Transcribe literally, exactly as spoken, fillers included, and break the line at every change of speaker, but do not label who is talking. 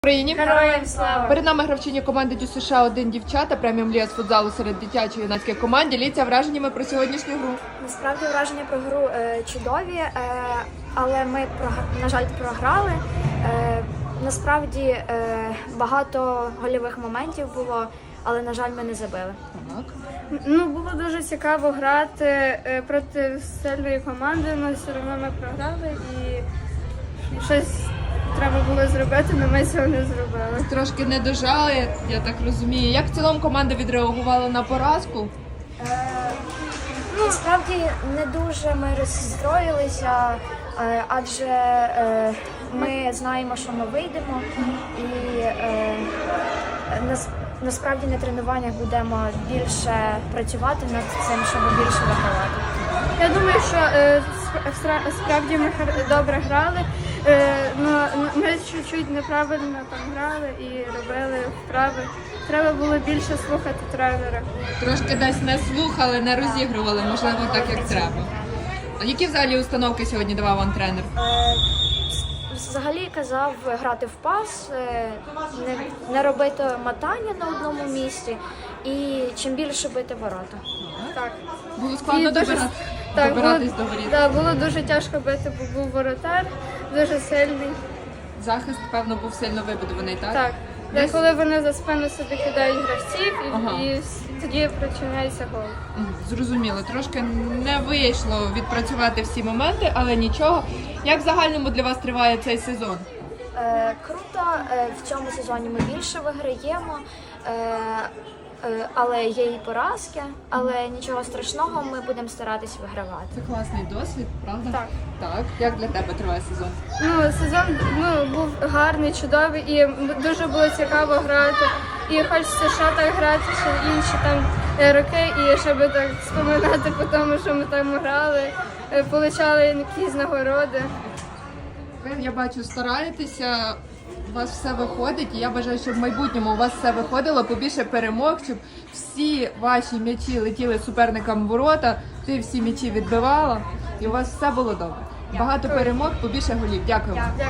Україні.
Героям слава!
Перед нами гравчині команди Дю США один дівчата, преміум ліга з футзалу серед дитячої юнацьких команд. Діліться враженнями про сьогоднішню гру.
Насправді враження про гру е, чудові, е, але ми, на жаль, програли. Е, насправді е, багато гольових моментів було, але, на жаль, ми не забили.
Так.
Ну, було дуже цікаво грати е, проти сильної команди, але все одно ми програли і щось треба було зробити, але ми цього не зробили.
Tрошки не дожали, я так розумію. Як в цілому команда відреагувала на поразку?
Е, насправді не дуже ми розстроїлися, е, адже е, ми знаємо, що ми вийдемо, і е, нас, насправді на тренуваннях будемо більше працювати над цим, щоб більше вигравати.
Я думаю, що е, сп- справді ми гр- добре грали, е, но ми чуть-чуть неправильно там грали і робили вправи. Треба було більше слухати тренера.
Трошки десь не слухали, не розігрували, можливо, так як треба. А які взагалі установки сьогодні давав вам тренер?
Е, Взагалі казав грати в пас, е, не, не робити мотання на одному місці і чим більше бити ворота.
Так.
Було складно
І дуже-
добира...
Так,
добиратись
було,
до воріт.
да, було дуже тяжко бити, бо був воротар, дуже сильний.
Захист, певно, був сильно вибудований, так?
Так.
Десь-
Коли вони за спину собі кидають гравців, і,
Ага.
і с- тоді причиняється гол.
Мгм, зрозуміло, трошки не вийшло відпрацювати всі моменти, але нічого. Як в загальному для вас триває цей сезон?
Е, круто, е, в цьому сезоні ми більше виграємо, е, е, але є і поразки, але нічого страшного, ми будемо старатись вигравати.
Це класний досвід, правда?
Так.
Так. Як для тебе триває сезон?
Ну, сезон ну, був гарний, чудовий і м- дуже було цікаво грати. І хочеться ще так грати, ще інші там е, роки, і щоб так споминати по тому, що ми там грали, е, получали якісь нагороди.
Ви, я бачу, стараєтеся, у вас все виходить, і я бажаю, щоб в майбутньому у вас все виходило, побільше перемог, щоб всі ваші м'ячі летіли суперникам в ворота, ти всі м'ячі відбивала, і у вас все було добре. Багато перемог, побільше голів. Дякую вам.